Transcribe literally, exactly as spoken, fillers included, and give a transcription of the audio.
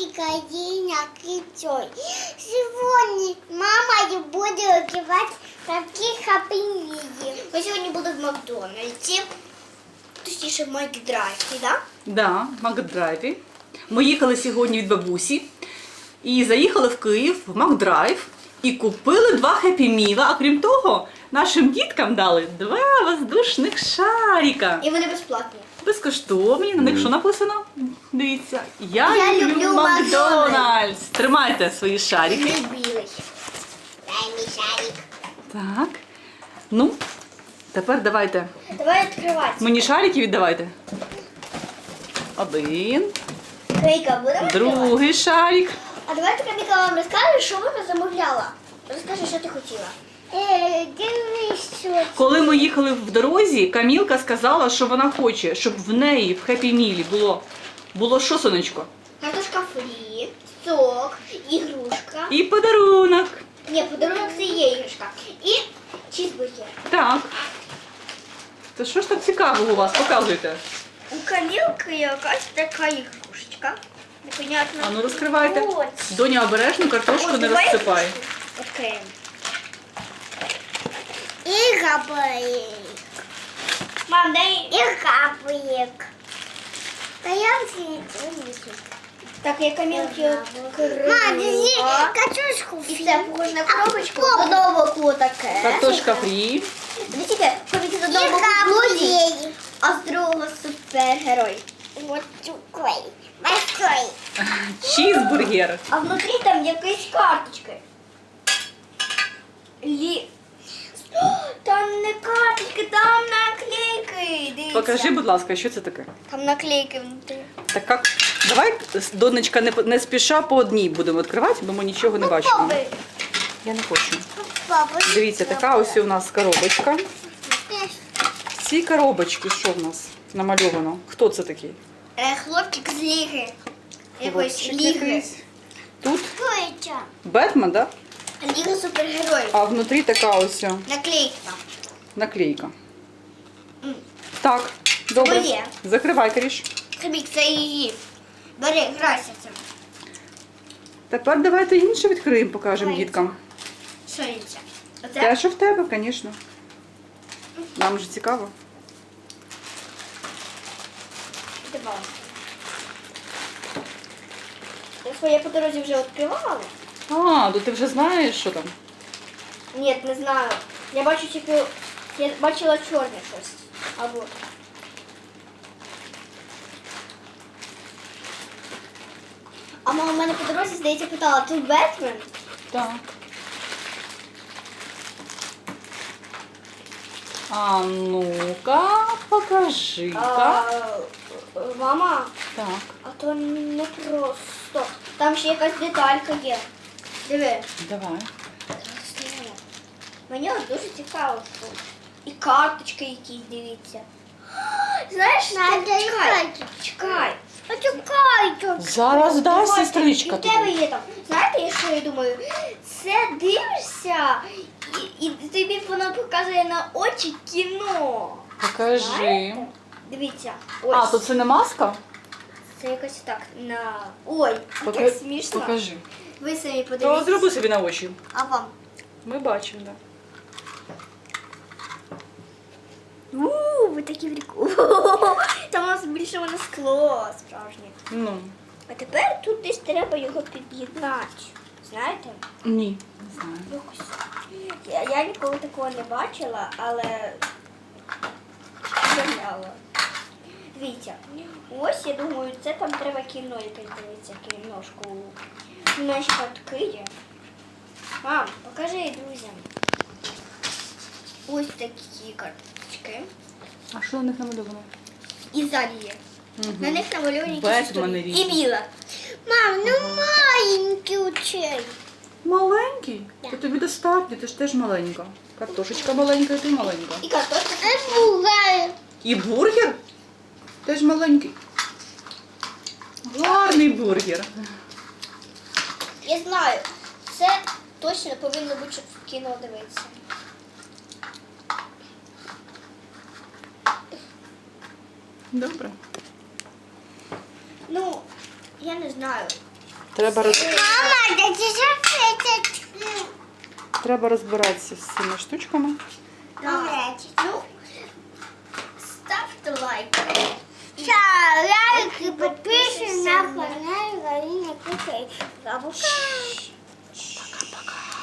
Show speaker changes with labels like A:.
A: Калина Кицой. Сегодня мама будет открывать такие хаппи-миди. Мы сегодня будем в Макдональдсе. Точніше, в Макдрайві, так?
B: Да, в Макдрайві. Ми їхали сьогодні від бабусі і заїхали в Київ в Макдрайв і купили два хеппі-міла. А крім того, нашим діткам дали два воздушних шарика.
A: І вони безплатні.
B: Безкоштовні. На них що написано? Дивіться. Я,
A: Я
B: люблю,
A: люблю
B: Макдональдс. Тримайте свої шарики.
A: Білий. Дай мій шарик.
B: Так. Ну, тепер давайте.
A: Давай відкривати.
B: Мені шарики віддавайте. Один.
A: Крейка, будемо відкривати?
B: Другий шарик.
A: А давай ти, Каміка, вам розкажеш, що вона замовляла. Розкажи, що ти хотіла. Е, дивись, що
B: Коли ми їхали в дорозі, Камілка сказала, що вона хоче, щоб в неї в хеппі-мілі було, було що, сонечко?
A: картошка фрі, сок, ігрушка.
B: І подарунок.
A: Ні, подарунок це є іграшка. І чізбургер.
B: Так. Та що ж так цікавого у вас? Показуйте.
A: У Камілки якась така ігрушечка. Непонятно.
B: А ну розкривайте.
A: Ось.
B: Доня, обережно картошку не розсипай.
A: Відкриємо. І габаїк. Мам, дай. І габаїк. Та я всі не Так, я Камілки відкрила. Мам, дивись, картошку. І це похоже на коробочку. Додому таке.
B: Картошка фрі.
A: Дивіться, ходить з одного куклі, а з другого супергерой. Вот такой. Большой.
B: Чізбургер.
A: А внутрі там якісь карточки. Лі... О, там не карточки, там наклейки. Дивіться.
B: Покажи, будь ласка, що це таке?
A: Там наклейки внутрі.
B: Так як? Давай, донечка, не, не спіша по одній будемо відкривати, бо ми нічого не бачимо.
A: Попробуй.
B: Я не хочу.
A: Попробуй.
B: Дивіться, така ось у нас коробочка. В цій коробочці що в нас намальовано? Хто це такий?
A: Е, хлопчик з ліги. Якоїсь
B: Хлопчик
A: ліги.
B: якийсь. Тут
A: Що це?
B: Бетмен, да?
A: Ліга супергероїв.
B: А внутрі така ось
A: Наклейка.
B: наклейка.
A: М.
B: Так, добре.
A: Моє.
B: Закривай, Каріш.
A: Хабік, це її. Бери, грайся цим.
B: Тепер давайте інше відкриємо, покажемо
A: Давайте.
B: діткам.
A: Що інше? Оце?
B: Те, що в тебе, звісно. Нам же цікаво.
A: Давай. Я своє по дорозі вже відкривала?
B: А, то ти вже знаєш, що там?
A: Ні, не знаю. Я бачу тільки... Я бачила чорне щось. Або... А мама мене по дорозі, здається, питала, тут Бетмен?
B: Так. А ну-ка, покажи-ка.
A: А, мама,
B: Так.
A: а то не просто. Там ще якась деталька є. Диви.
B: Давай.
A: Мені от дуже цікаво. Що. І карточки якісь, дивіться. Знаєш, чекай, чекай. Почекай.
B: Зараз дай,
A: Ось,
B: сестричка.
A: і в тебе
B: тобі.
A: є там. Знаєте, що я думаю? Це дивишся, і, і тобі воно показує на очі кіно.
B: Покажи.
A: Знаєте? Дивіться. Ось.
B: А, то це не маска?
A: Це якось так на. Ой,
B: Пока-
A: як смішно.
B: Покажи.
A: Ви самі
B: То
A: подивіться.
B: зроби собі на очі.
A: А вам?
B: Ми бачимо, так.
A: Ууу, ви такі прикольні. Там у нас більше воно скло справжнє.
B: Ну,
A: А тепер тут десь треба його під'єднати. Знаєте?
B: ні, не знаю.
A: Якось. Я, я ніколи такого не бачила, але згадала. Дивіться, ось я думаю, це там треба кіно якесь дивитися, кіношку. У мене ще картки є. Мам, покажи друзям. Ось такі карточки.
B: А що на них намальовано?
A: І ззаді є.
B: Угу.
A: На них намальовані якісь
B: Бетмени
A: історії.
B: різні.
A: І біла. Мам, ну маленький очей.
B: Маленький? То тобі достатньо, ти ж теж маленька. Картошечка маленька, і ти маленька.
A: І картошка. І бугай.
B: І бургер? Теж маленький. Гарний бургер.
A: Я знаю, це точно повинно бути, щоб в кіно дивитися.
B: Добре.
A: Ну, я не знаю.
B: Треба, роз...
A: Мама, да ти ж
B: Треба розбиратися з цими штучками.
A: Добре, ну, ставте лайк. Та лайк і підписуйтесь на канал Галина Китей. Пока.
B: Пока-пока.